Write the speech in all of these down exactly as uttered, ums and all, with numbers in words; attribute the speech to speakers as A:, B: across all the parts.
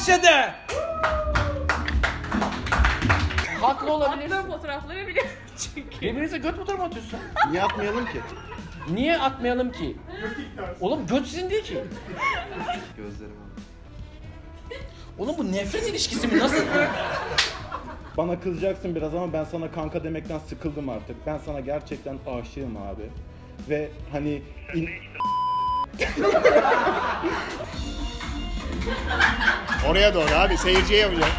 A: Başladı. Haklı olabilirsin.
B: Attığım fotoğrafları biliyorum çünkü.
A: Birbirinize göt fotoğrafı mı atıyorsun?
C: Niye atmayalım ki?
A: Niye atmayalım ki? Oğlum göt sizin değil ki.
C: Gözlerim abi.
A: Oğlum bu nefret ilişkisi mi? Nasıl?
D: Bana kızacaksın biraz ama ben sana kanka demekten sıkıldım artık. Ben sana gerçekten aşığım abi. Ve hani in-
C: Oraya doğru abi, seyirciye yapacağım.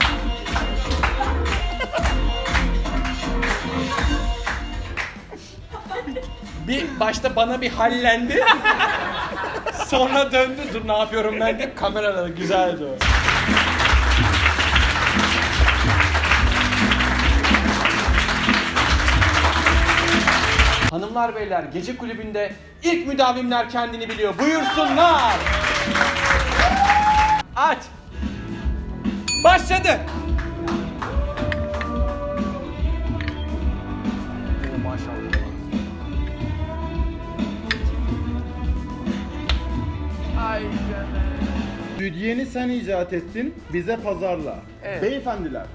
A: Bir başta bana bir hallendi. Sonra döndü. Dur ne yapıyorum ben de kameralara güzeldi o. Hanımlar beyler gece kulübünde ilk müdavimler kendini biliyor. Buyursunlar. Aç. Başladı. Maşallah. Ay canım.
D: Südyeni sen icat ettin, bize pazarla.
A: Evet.
D: Beyefendiler.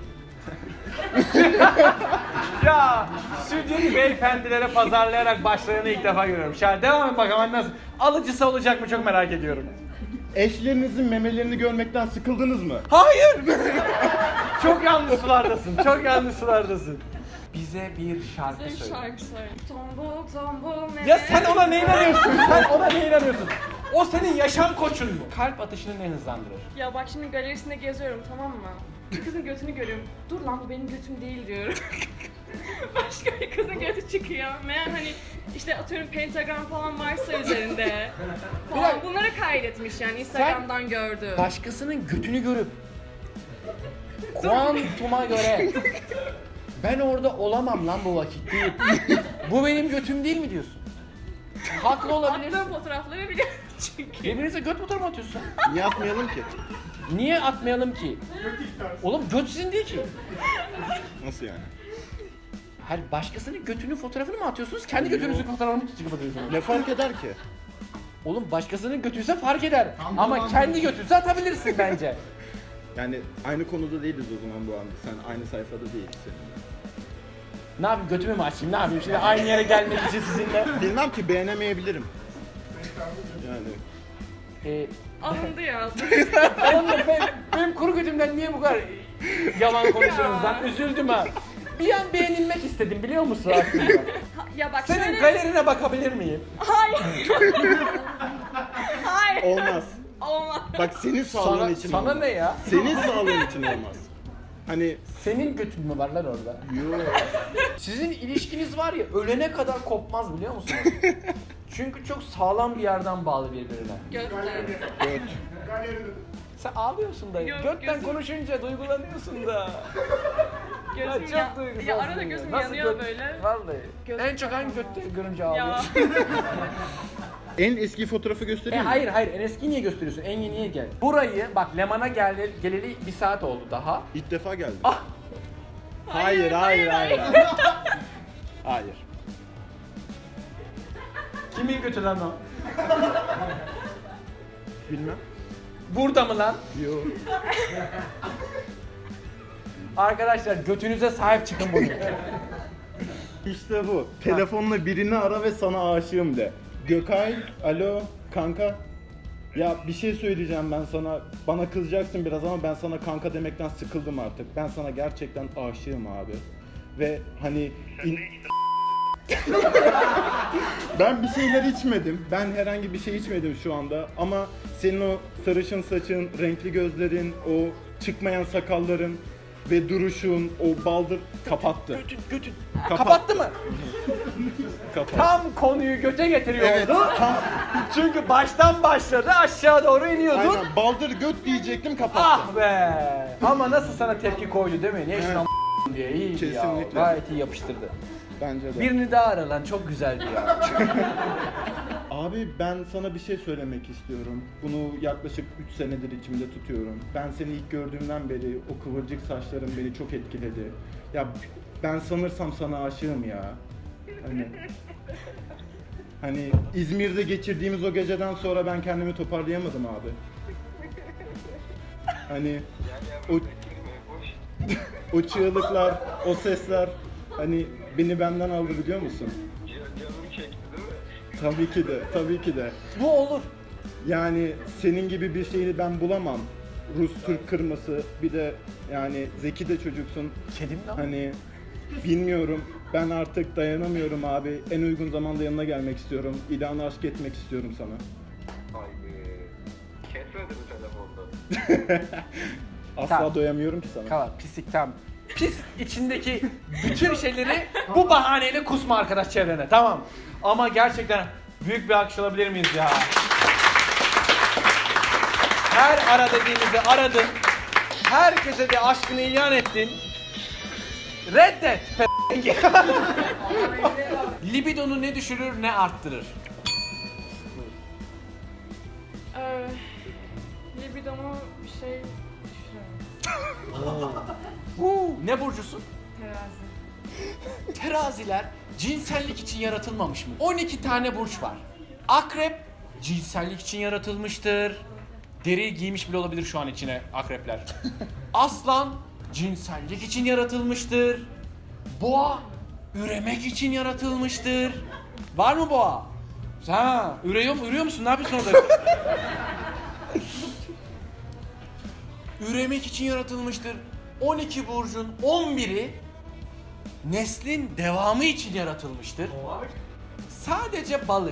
A: Ya stüdyonu beyefendilere pazarlayarak başlarını ilk defa görüyorum. Şahane devam et bakalım nasıl? Alıcısı olacak mı çok merak ediyorum.
D: Eşlerinizin memelerini görmekten sıkıldınız mı?
A: Hayır! Çok yanlış sulardasın, çok yanlış sulardasın. Bize bir şarkı
B: Bize bir
A: söyle.
B: şarkı söyle. Tombul tombul ne?
A: Ya sen ona ne inanıyorsun? Sen ona ne inanıyorsun? O senin yaşam koçun mu? Kalp atışını ne hızlandırır?
B: Ya bak şimdi galerisinde geziyorum tamam mı? Bir kızın götünü görüyorum. Dur lan bu benim götüm değil diyorum. Başka bir kızın götü çıkıyor. Meğer hani işte atıyorum pentagram falan varsa üzerinde. Falan bunları kaydetmiş yani Instagram'dan gördü.
A: Başkasının götünü görüp kuantuma göre ben orada olamam lan bu vakit değil. Bu benim götüm değil mi diyorsun? Haklı olabilirsin.
B: Attığım fotoğrafları biliyorum çünkü.
A: Birbirinize göt fotoğrafı mı atıyorsun?
C: Niye atmayalım ki?
A: Niye atmayalım ki? Oğlum göt sizin değil ki.
D: Nasıl yani?
A: Her başkasının götünün fotoğrafını mı atıyorsunuz? Kendi götünüzün fotoğrafını mı çıkıp atıyorsunuz?
D: Ne fark eder ki?
A: Oğlum başkasının götüyse fark eder.
D: Tamam,
A: Ama
D: tamam.
A: kendi götünse atabilirsin bence.
D: Yani aynı konuda değiliz o zaman bu anda. Sen aynı sayfada değilsin seninle.
A: Ne yapayım götümü mü açayım ne yapayım şimdi aynı yere gelmek için sizinle.
D: Bilmem ki beğenemeyebilirim. Yani
A: Ee,
B: Alındı ya.
A: oğlum ben, benim kuru götümden niye bu kadar yalan konuşuyorsunuz lan? Üzüldüm ha. Bir an beğenilmek istedim biliyor musun aslında?
B: Ha- ya bak
A: Senin
B: şöyle...
A: galerine bakabilir miyim?
B: Hayır. Hayır.
D: olmaz.
B: Olmaz.
D: Bak senin sağlığın
A: Sana,
D: için
A: sana
D: olmaz.
A: ne ya?
D: Senin sağlığın için olmaz. Hani
A: Senin götün mü var lan orada?
D: yo.
A: Sizin ilişkiniz var ya ölene kadar kopmaz biliyor musunuz? Çünkü çok sağlam bir yerden bağlı birbirine.
B: Göster.
D: Göt.
A: Sen ağlıyorsun da.
B: Yok,
A: Götten
B: gözüm-
A: konuşunca duygulanıyorsun da. Ya
B: Gözüm
A: çok
B: ya,
A: duygusalsın
B: ya arada gözüm
A: Nasıl
B: yanıyor
A: göt-
B: böyle.
A: Vallahi.
B: Gözüm
A: en çok hangi
B: kapanmaz.
A: götte görünce
B: Ya.
A: ağlıyorsun?
D: En eski fotoğrafı
A: e
D: göstereyim mi?
A: hayır hayır en eski niye gösteriyorsun? En yeniye gel. Burayı bak Leman'a gel, geleli bir saat oldu daha.
D: İlk defa geldim.
A: Ah!
D: Hayır, hayır, hayır. Hayır.
A: Kimin götü lan o?
D: Bilmem.
A: Burada mı lan?
D: Yo.
A: Arkadaşlar götünüze sahip çıkın bugün.
D: İşte bu. Telefonla birini ara ve sana aşığım de. Gökay, alo, kanka. Ya bir şey söyleyeceğim ben sana. Bana kızacaksın biraz ama ben sana kanka demekten sıkıldım artık. Ben sana gerçekten aşığım abi. Ve hani... in- ben bir şeyler içmedim. Ben herhangi bir şey içmedim şu anda. Ama senin o sarışın saçın, renkli gözlerin, o çıkmayan sakalların ve duruşun, o baldır kapattı.
A: Götün, götün.
D: Kapattı.
A: Kapattı mı?
D: Kapattı.
A: Tam konuyu göte getiriyordu.
D: Evet, tam
A: Çünkü baştan başladı aşağı doğru iniyordun.
D: aynen baldır göt diyecektim kapattı.
A: Ah be! Ama nasıl sana tepki koydu değil mi? Niye şuna
D: Evet.
A: diye iyi ya.
D: Kesinlikle.
A: Gayet iyi yapıştırdı.
D: Bence de.
A: Birini daha ara lan çok güzeldi ya.
D: Abi ben sana bir şey söylemek istiyorum. Bunu yaklaşık üç senedir içimde tutuyorum. Ben seni ilk gördüğümden beri o kıvırcık saçların beni çok etkiledi. Ya ben sanırsam sana aşığım ya. Hani Hani İzmir'de geçirdiğimiz o geceden sonra ben kendimi toparlayamadım abi. Hani o o çığlıklar, o sesler hani beni benden aldı biliyor musun?
E: Canım çekti değil mi?
D: Tabii ki de, tabii ki de.
A: Bu olur.
D: Yani senin gibi bir şeyi ben bulamam. Rus Türk kırması, bir de yani zeki de çocuksun.
A: Kedim lan.
D: Hani bilmiyorum, ben artık dayanamıyorum abi. En uygun zamanda yanına gelmek istiyorum. İlanı aşk etmek istiyorum sana.
E: Ay be. Kesmedi mi telefonda?
D: Asla
A: Tamam.
D: doyamıyorum ki sana.
A: Kala pislik tam. Pis içindeki bütün şeyleri bu bahaneyle kusma arkadaş çevrene, tamam. Ama gerçekten büyük bir alkış alabilir miyiz ya? Her ara dediğimizi aradın. Herkese de aşkını ilan ettin. Reddet p***. Libidonu ne düşürür ne arttırır?
B: Ee, libidomu bir şey düşünüyorum.
A: Huu, ne burcusun?
B: Terazi.
A: Teraziler cinsellik için yaratılmamış mı? on iki tane burç var. Akrep cinsellik için yaratılmıştır. Deri giymiş bile olabilir şu an içine akrepler. Aslan cinsellik için yaratılmıştır. Boğa üremek için yaratılmıştır. Var mı boğa? Ha, ürüyor mu? Ürüyor musun? Ne yapıyorsun orada? Üremek için yaratılmıştır. on iki burcun on biri neslin devamı için yaratılmıştır. Sadece balık.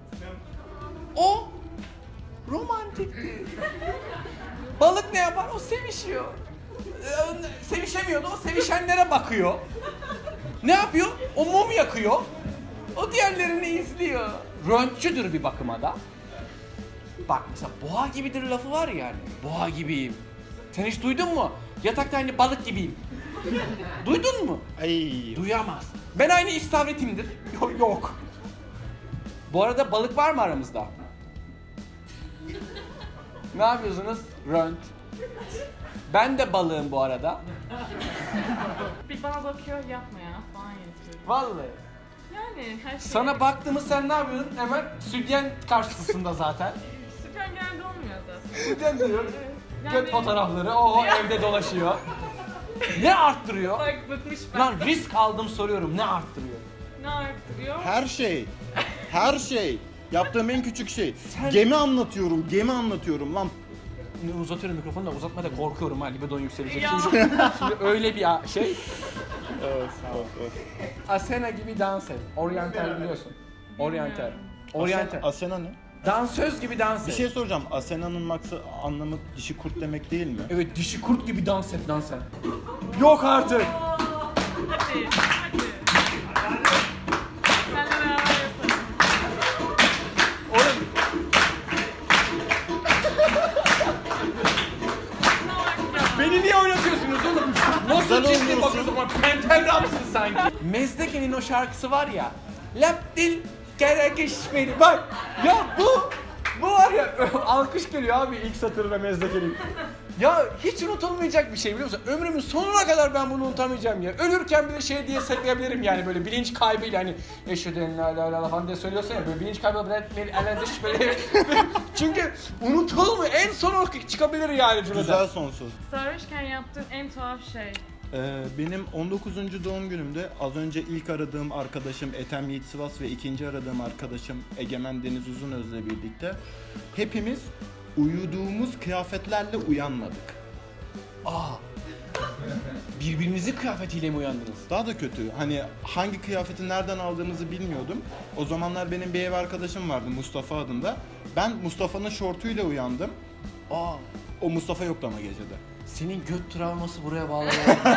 A: O romantiktir. Balık ne yapar? O sevişiyor. Ee, Sevişemiyordu. O sevişenlere bakıyor. Ne yapıyor? O mum yakıyor. O diğerlerini izliyor. Röntçüdür bir bakıma da. Bak mesela boğa gibidir lafı var yani. Boğa gibiyim. Sen hiç duydun mu? Yatakta aynı balık gibiyim. Duydun mu?
D: Ay.
A: Duyamaz. Ben aynı istavretimdir. Yok, yok. Bu arada balık var mı aramızda? Ne yapıyorsunuz? Rönt. Ben de balığım bu arada.
B: Bir bana bakıyor yapma ya falan yapıyorum.
A: Vallahi.
B: Yani her şey.
A: Sana baktığımız sen ne yapıyorsun? Hemen sütyen karşısında zaten.
B: Süper genelde olmuyor zaten.
A: Sütyen diyor.
B: Yani-
A: Göt fotoğrafları o evde dolaşıyor. Ne arttırıyor?
B: Bak bıkmış ben.
A: Lan risk aldım soruyorum. Ne arttırıyor?
B: Ne arttırıyor?
D: Her şey. Her şey. Yaptığım en küçük şey.
A: Sen-
D: Gemi anlatıyorum, gemi anlatıyorum lan.
A: Uzatıyorum mikrofonu da uzatma da korkuyorum ha libidon yükselecek.
B: Ya.
A: Şimdi, şimdi öyle bir a- şey.
D: Evet, evet, evet.
A: Asena gibi dans et. Oryantal biliyorsun. Oryantal. Oryantal.
D: Asena, Asena ne?
A: Dansöz gibi dans et.
D: Bir şey soracağım. Asena'nın maksı anlamı dişi kurt demek değil mi?
A: Evet dişi kurt gibi dans et lan sen. Yok artık.
B: Hadi hadi. Seninle beraber yapalım.
A: Oğlum
B: Ne var ya?
A: beni niye oynatıyorsunuz oğlum? Nasıl
D: Güzel
A: ciddi
D: oynuyorsun.
A: bakıyorsun bana? Pentagramsın sanki. Mezdeke'nin o şarkısı var ya. Lap dil gerekişmedi. Bak ya bu bu var ya alkış geliyor abi ilk satırına Mezdeke'nin. Ya hiç unutulmayacak bir şey biliyor musun? Ömrümün sonuna kadar ben bunu unutamayacağım ya. Ölürken bile şey diye saklayabilirim yani böyle bilinç kaybıyla hani eşhedü la la la falan diye söylüyorsun ya böyle bilinç kaybı böyle ele dış böyle. Çünkü unutulmuyor. En son o çıkabilir yani cümleden.
D: Güzel son söz.
B: Sarhoşken yaptığın en tuhaf şey.
D: Ee, benim on dokuzuncu doğum günümde az önce ilk aradığım arkadaşım Ethem Yiğit Sivas ve ikinci aradığım arkadaşım Egemen Deniz Uzunöz'le birlikte hepimiz uyuduğumuz kıyafetlerle uyanmadık.
A: Aa. Birbirinizin kıyafetiyle mi uyandınız?
D: Daha da kötü. Hani hangi kıyafeti nereden aldığımızı bilmiyordum. O zamanlar benim bir ev arkadaşım vardı Mustafa adında. Ben Mustafa'nın şortuyla uyandım.
A: Aa.
D: O Mustafa yoktu ama gecede.
A: Senin göt travması buraya bağlı.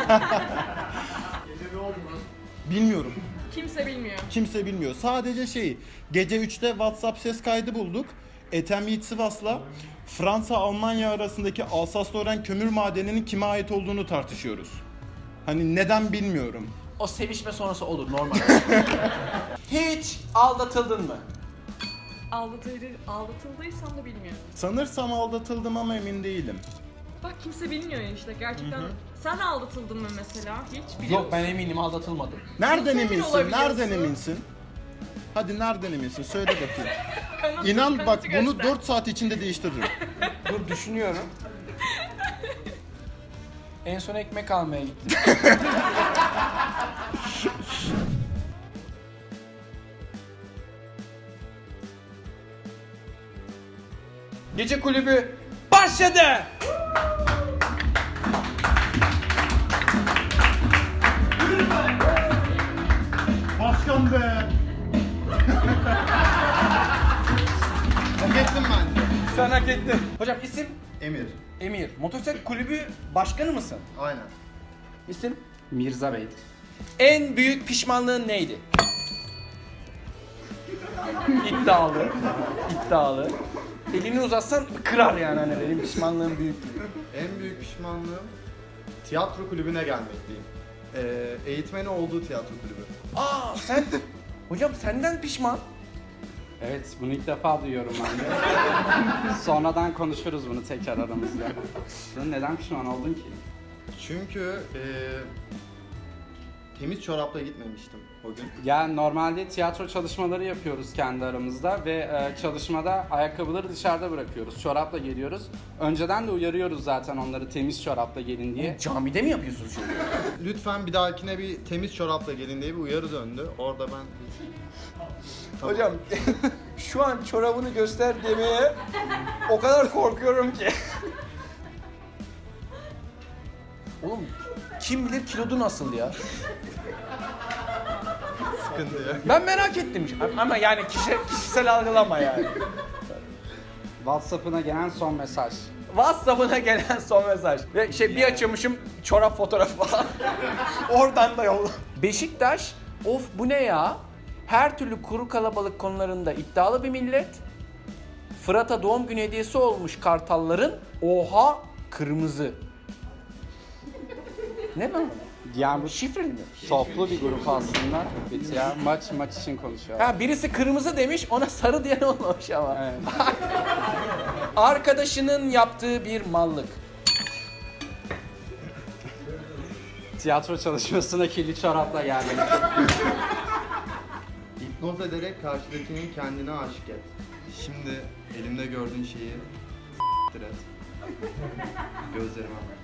D: Bilmiyorum.
B: Kimse bilmiyor.
D: Kimse bilmiyor. Sadece şey, gece üçte WhatsApp ses kaydı bulduk. Ethem Yiğit Sivas'la Fransa-Almanya arasındaki Alsas-Lorraine kömür madeninin kime ait olduğunu tartışıyoruz. Hani neden bilmiyorum.
A: O sevişme sonrası olur normal. Hiç aldatıldın mı?
B: Aldatıldı, aldatıldıysam da bilmiyorum.
D: Sanırsam aldatıldım ama emin değilim.
B: Bak kimse bilmiyor ya işte gerçekten. Sen aldatıldın mı mesela? Hiç biliyor
A: Yok
B: musun?
A: ben eminim aldatılmadım.
D: Nereden
B: Nasıl emin
D: eminsin?
B: olabiliyorsun?
D: Nereden eminsin? Hadi nereden eminsin? Söyle bakayım.
B: Kanıt-
D: İnan bak
B: kanıtı
D: bunu
B: göster.
D: dört saat içinde değiştiririm.
A: Dur düşünüyorum. En son ekmek almaya gittim. Gece kulübü başladı.
D: Başkan be!
C: Hak ettim bence.
A: Sen hak ettin. Hocam isim?
C: Emir.
A: Emir. Motosiklet kulübü başkanı mısın?
C: Aynen.
A: İsim?
F: Mirza Bey.
A: En büyük pişmanlığın neydi? İddialı. İddialı. Elini uzatsan kırar yani hani benim pişmanlığım büyük gibi.
C: En büyük pişmanlığım tiyatro kulübüne gelmekteyim. Ee, eğitmeni olduğu tiyatro kulübü.
A: Aa sen... Hocam senden pişman.
F: Evet, bunu ilk defa duyuyorum ben de. Sonradan konuşuruz bunu tekrar aramızda. Sen neden pişman oldun ki?
C: Çünkü ee, temiz çorapla gitmemiştim o gün.
F: Ya normalde tiyatro çalışmaları yapıyoruz kendi aramızda ve e, çalışmada ayakkabıları dışarıda bırakıyoruz. Çorapla geliyoruz. Önceden de uyarıyoruz zaten onları temiz çorapla gelin diye.
A: Camide mi yapıyorsunuz şimdi?
C: Lütfen bir dahakine bir temiz çorapla gelin diye bir uyarı döndü. Orada ben... Tamam.
A: Hocam şu an çorabını göster demeye o kadar korkuyorum ki. Oğlum kim bilir kilodu nasıl ya?
C: Sıkıntı yok.
A: Ben merak ettim ama yani kişi, kişisel algılama yani.
F: WhatsApp'ına gelen son mesaj.
A: WhatsApp'ına gelen son mesaj. Ve şey bir açıyormuşum çorap fotoğrafı falan. Oradan da yolla. Beşiktaş, of bu ne ya? Her türlü kuru kalabalık konularında iddialı bir millet. Fırat'a doğum günü hediyesi olmuş Kartalların. Oha kırmızı. Ne lan?
F: Yani bu
A: Şifreli mi?
F: toplu bir grup aslında. Bitti ya. Maç maç için konuşuyor.
A: Ha birisi kırmızı demiş ona sarı diyen olmamış ama.
F: Evet.
A: Arkadaşının yaptığı bir mallık.
F: Tiyatro çalışmasına kirli çorapla geldim.
C: Hipnoz ederek karşıdakinin kendine aşık et. Şimdi elimde gördüğün şeyi s**tir et. Gözlerime bak.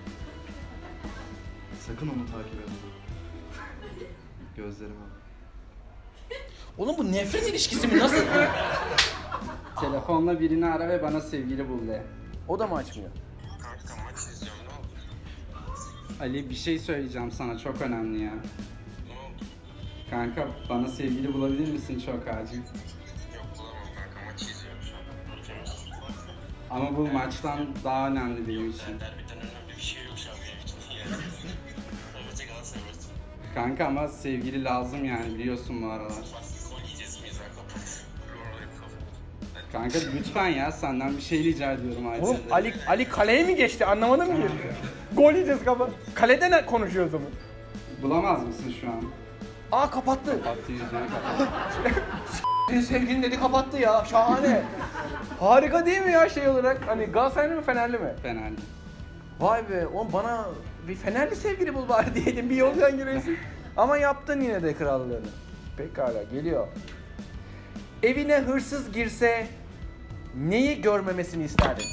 C: Sakın onu takip etme. Gözlerime bak.
A: Oğlum bu nefret ilişkisi mi? Nasıl?
F: Telefonla birini ara ve bana sevgili bul de.
A: O da mı açmıyor?
E: Kanka maç izliyorum ne oldu?
F: Ali bir şey söyleyeceğim sana çok önemli ya.
E: Ne oldu?
F: Kanka bana sevgili bulabilir misin çok acil?
E: Yok bulamam kanka maç izliyorum şu an. Temiz.
F: Ama bu maçtan daha önemli benim için.
E: Derbiden önemli bir şey yok şu an benim için. Yani. Fenerbahçe Galatasaray maçı.
F: Kanka ama sevgili lazım yani biliyorsun bu aralar.
E: Gol yiyeceğiz miyiz ha kapat. Orayı kapat.
F: Kanka lütfen ya senden bir şey rica ediyorum acil.
A: Oğlum Ali Ali kaleye mi geçti? Anlamadım ki. Gol yiyeceğiz kafa. Kalede ne konuşuyoruz ama?
F: Bulamaz mısın şu an?
A: Aa kapattı.
F: Baktı yüzüne kapat.
A: Senin sevgilin dedi kapattı ya. Şahane. Harika değil mi ya şey olarak? Hani Galatasaraylı mı Fenerli mi?
F: Fenerli.
A: Vay be oğlum bana bir Fenerli sevgili bul bari diyelim bir yoldan gireysin. Ama yaptın yine de krallığını. Pekala geliyor. Evine hırsız girse neyi görmemesini isterdin?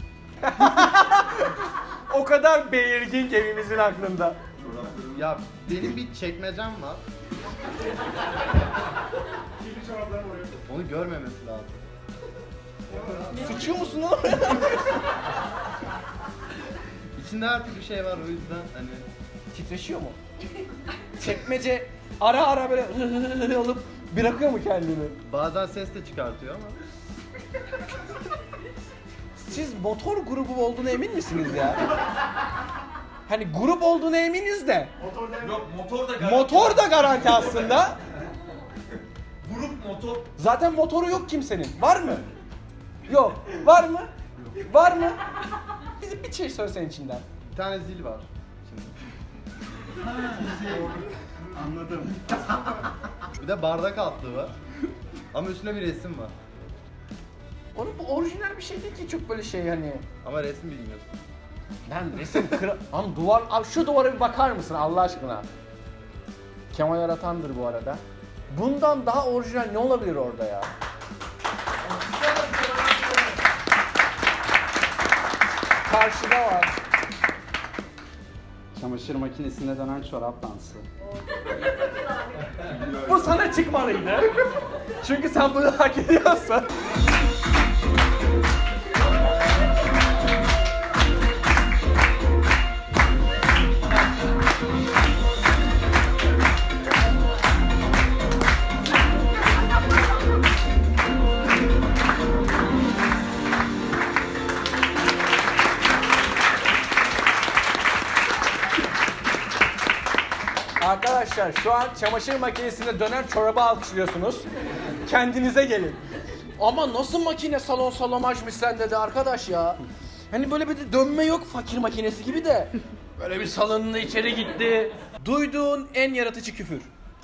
A: O kadar belirgin ki evimizin aklında.
C: Ya benim bir çekmecem var. Onu görmemesi lazım.
A: Sıçıyor musun oğlum?
C: İçinde her türlü şey var o yüzden hani
A: Titreşiyor mu? Çekmece ara ara böyle alıp bırakıyor mu kendini?
C: bazen ses de çıkartıyor ama
A: Siz motor grubu olduğuna emin misiniz ya? Hani grup olduğuna eminiz de.
G: Yok motor da garanti.
A: Motor da garanti aslında.
G: Grup motor.
A: Zaten motoru yok kimsenin. Var mı? Yok. Var mı? Var mı? Bize bir şey söylesen içinden.
C: bir tane zil var şimdi.
D: Anladım.
C: Bir de bardak altlığı var. Ama üstünde bir resim var.
A: Oğlum bu orijinal bir şey değil ki çok böyle şey hani.
C: Ama resim bilmiyorsun.
A: Lan resim kıra... Lan duvar... Abi şu duvara bir bakar mısın Allah aşkına? Kemal Aratan'dır bu arada. Bundan daha orijinal ne olabilir orada ya? Karşıda var.
F: Çamaşır makinesinde dönen çorap dansı.
A: Bu sana çıkmalıydı. Çünkü sen bunu hak ediyorsun. Arkadaşlar şu an çamaşır makinesinde dönen çorabı alkışlıyorsunuz. Kendinize gelin. Ama nasıl makine salon salomajmış sende de arkadaş ya. Hani böyle bir de dönme yok fakir makinesi gibi de. Böyle bir salonunda içeri gitti. Duyduğun en yaratıcı küfür.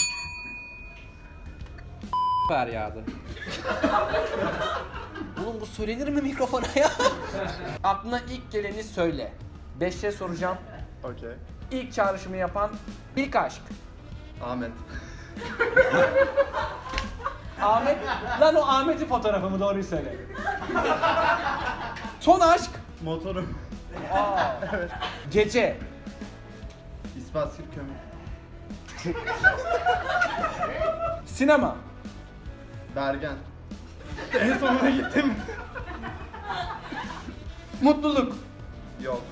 F: Feryadı.
A: Oğlum bu söylenir mi mikrofona ya? Aklına ilk geleni söyle. Beş şey soracağım.
C: Okey.
A: İlk çağrışımı yapan ilk aşk.
C: Ahmet.
A: Ahmet. Lan o Ahmet'in fotoğrafı mı? Doğruyu söyle. Son aşk.
D: Motorum.
A: Gece.
C: İspaskil kömür.
A: Sinema.
C: Bergen.
D: En sonuna gittim.
A: Mutluluk.
C: Yok.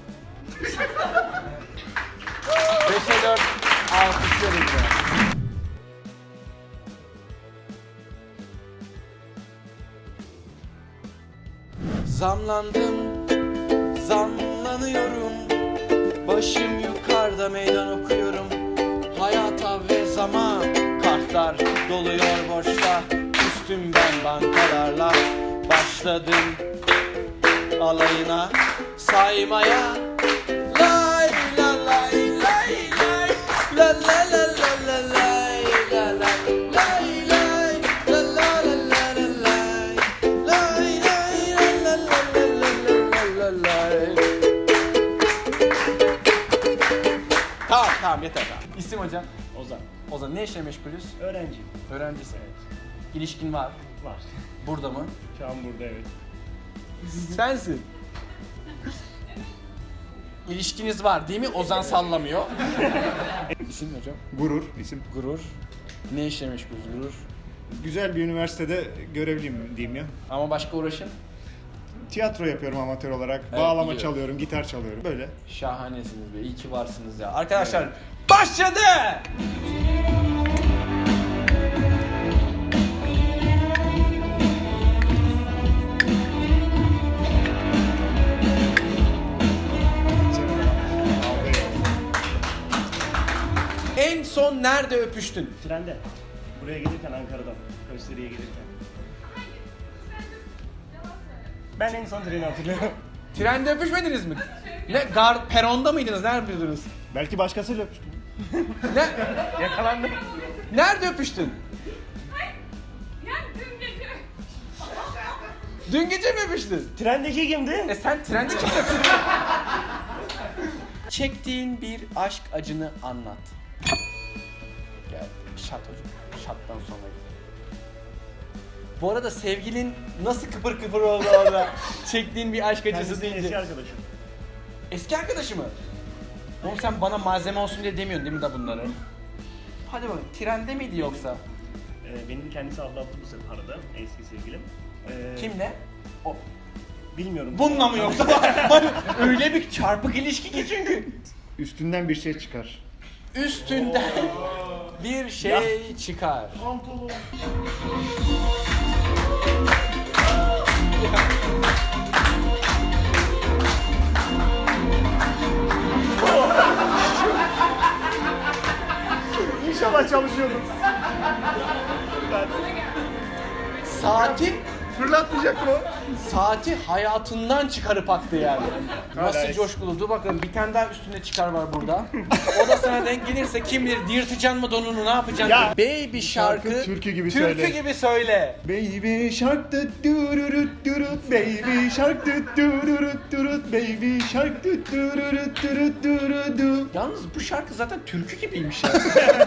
A: beşe dört alkışlıyoruz ya. Zamlandım, zamlanıyorum. Başım yukarıda meydan okuyorum. Hayata ve zaman kartlar doluyor boşta. Üstüm ben bankalarla başladım alayına saymaya. Lay la lay lay lay la la la la la lay la lay lay lay la la la la la lay lay lay la la la la la la lay. Tamam tamam yeter tamam. İsim hocam?
H: Ozan.
A: Ozan ne işle meşgulüz?
H: Öğrenciyim.
A: Öğrencisin.
H: Evet.
A: İlişkin var.
H: Var.
A: Burada mı?
H: Şu an burada evet.
A: Sensin. İlişkiniz var değil mi? Ozan sallamıyor. İsim hocam?
I: Gurur isim.
A: Gurur. Ne işle meşgulüz Gurur?
I: Güzel bir üniversitede görevliyim diyeyim ya.
A: Ama başka uğraşın?
I: Tiyatro yapıyorum amatör olarak.
A: Evet,
I: Bağlama
A: biliyorum.
I: çalıyorum, gitar çalıyorum. Böyle.
A: Şahanesiniz be. İyi ki varsınız ya. Arkadaşlar başladı! En son nerede öpüştün?
H: Trende. Buraya gelirken Ankara'dan. Gösteriye gelirken. Ben en son treni hatırlıyorum.
A: Trende öpüşmediniz mi? Ne? Gar peronda mıydınız? Nerede öpüştünüz?
I: Belki başkasıyla öpüştüm.
A: Ne?
H: Yakalandım.
A: Nerede öpüştün? Dün gece mi öpüştün?
H: Trendeki kimdi?
A: E sen trende kim öpüştün? Çektiğin bir aşk acını anlat. Gel, şat hocam. Şattan sonra gidelim. Bu arada sevgilin nasıl kıpır kıpır oldu orada? Çektiğin bir aşk acısı
H: Kendisi
A: deyince.
H: eski arkadaşım.
A: Eski arkadaşı mı? Oğlum sen bana malzeme olsun diye demiyorsun değil mi da bunları? Hadi bakalım, trende miydi yoksa?
H: Ee, benim kendisi aldattı bu sefer arada. Eski sevgilim. Ee,
A: Kimle? O.
H: Bilmiyorum.
A: Bununla mı yoksa? Hani öyle bir çarpık ilişki ki çünkü.
I: Üstünden bir şey çıkar.
A: Üstünden bir şey çıkar.
H: İnşallah çalışıyordum.
A: Saati,
I: Fırlatmayacaktım o.
A: saati hayatından çıkarıp attı yani. Nasıl
I: Hala-
A: coşkulu? Dur bakalım bir tane daha üstünde çıkar var burada. O da sana denk gelirse kim bilir yırtacaksın mı donunu ne yapacaksın?
I: Ya.
A: Baby şarkı,
I: Şarkı türkü gibi
A: türkü
I: söyle.
A: gibi söyle.
I: Baby shark tut dururut durut baby shark tut dururut durut baby shark tut dururut durut durut.
A: Yalnız bu şarkı zaten türkü gibiymiş ya.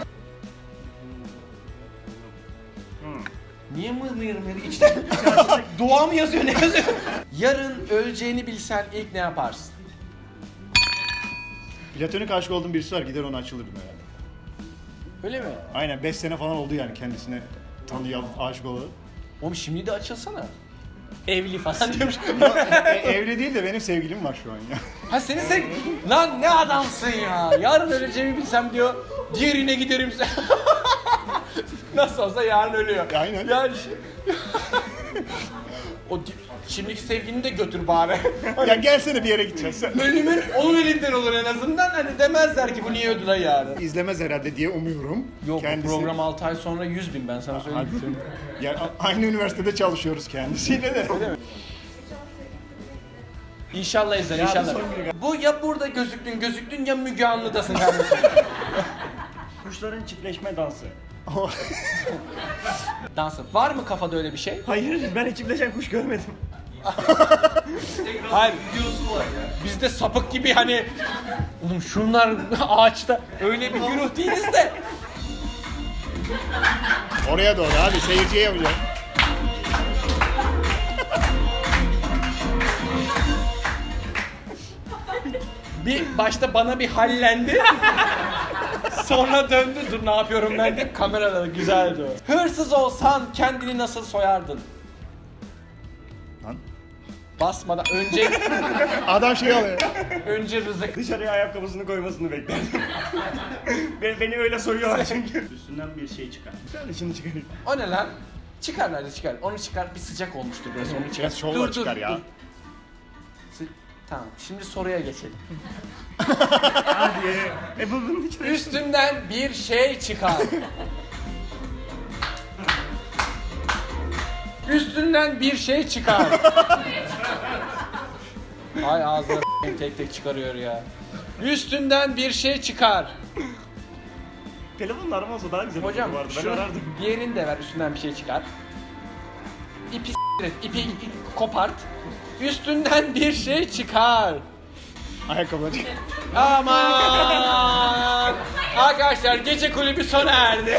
A: Niye mır mır mır içten dua mı yazıyor ne yazıyor? Yarın öleceğini bilsen ilk ne yaparsın?
I: Platonik aşık olduğum birisi var, gider ona açılırdım herhalde.
A: Öyle mi?
I: Aynen beş sene falan oldu yani kendisine tanıyan, aşık olalı.
A: Oğlum şimdi de açılsana. Evli falan diyormuş.
I: E, evli değil de benim sevgilim var şu an ya.
A: Ha seni sev... Lan ne adamsın ya. Yarın öleceğimi bilsem diyor. Diğerine giderim. Nasıl olsa yarın ölüyor.
I: Aynen.
A: Yani şi- o di- şimdiki sevgilini de götür bari.
I: Ya gelsene bir yere gideceğiz sen.
A: Ölümün onun elinden olur en azından. Hani demezler ki bu niye öldü lan yarın.
I: İzlemez herhalde diye umuyorum.
A: Yok
I: Kendisi...
A: bu program altı ay sonra yüz bin ben sana söyleyeyim.
I: Ya, a- aynı üniversitede çalışıyoruz kendisiyle de.
A: İnşallah izler inşallah. Bu ya burada gözüktün gözüktün ya Müge Anlı'dasın kardeşim.
H: Kuşların çiftleşme dansı.
A: Dansı. Var mı kafada öyle bir şey?
H: Hayır, ben hiç çiftleşen kuş görmedim.
A: Hayır. Biz de sapık gibi hani oğlum şunlar ağaçta öyle bir güruh değiliz de.
I: Oraya doğru hadi seyirciye yapacağım.
A: Bir başta bana bir hallendi. Sonra döndü. Dur ne yapıyorum ben de kamerada güzeldi o. Hırsız olsan kendini nasıl soyardın?
I: Lan.
A: Basmadan önce
I: Adam şey alıyor.
A: önce rızık.
H: Dışarıya ayakkabısını koymasını beklerdim. beni, beni öyle soruyorlar çünkü. Üstünden bir şey çıkar.
I: Sen de şimdi çıkarayım.
A: O ne lan? Çıkar nerede çıkar? Onu çıkar. Bir sıcak olmuştur burası. Onu çıkar.
I: Biraz şovla çıkar ya.
A: Sı- Tamam. Şimdi soruya geçelim.
H: Hadi. E bu bunun içine.
A: Üstünden bir şey çıkar. Üstünden bir şey çıkar. Ay ağzına s**eyim, tek tek çıkarıyor ya. Üstünden bir şey çıkar.
H: Telefonla arama daha güzel
A: Hocam
H: olurdu bu arada. Ben
A: şunu
H: arardım.
A: diğerini de ver üstünden bir şey çıkar. İpi s**t et, ipi, ipi kopart. Üstünden bir şey çıkar.
I: Ayakkabıları.
A: Aman! Arkadaşlar gece kulübü sona erdi.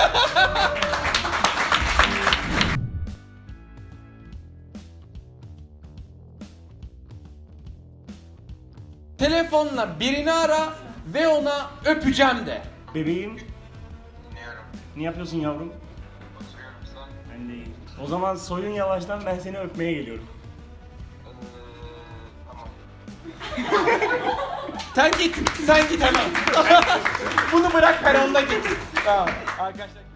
A: Telefonla birini ara ve ona öpeceğim de.
H: Bebeğim,
E: Dinliyorum.
H: ne yapıyorsun yavrum?
E: Oturuyorum sen.
H: Ben de iyiyim. O zaman soyun yavaştan, ben seni öpmeye geliyorum.
E: Ee, tamam.
A: Sen git, sen git hemen. Bunu bırak peronda git. Tamam arkadaşlar.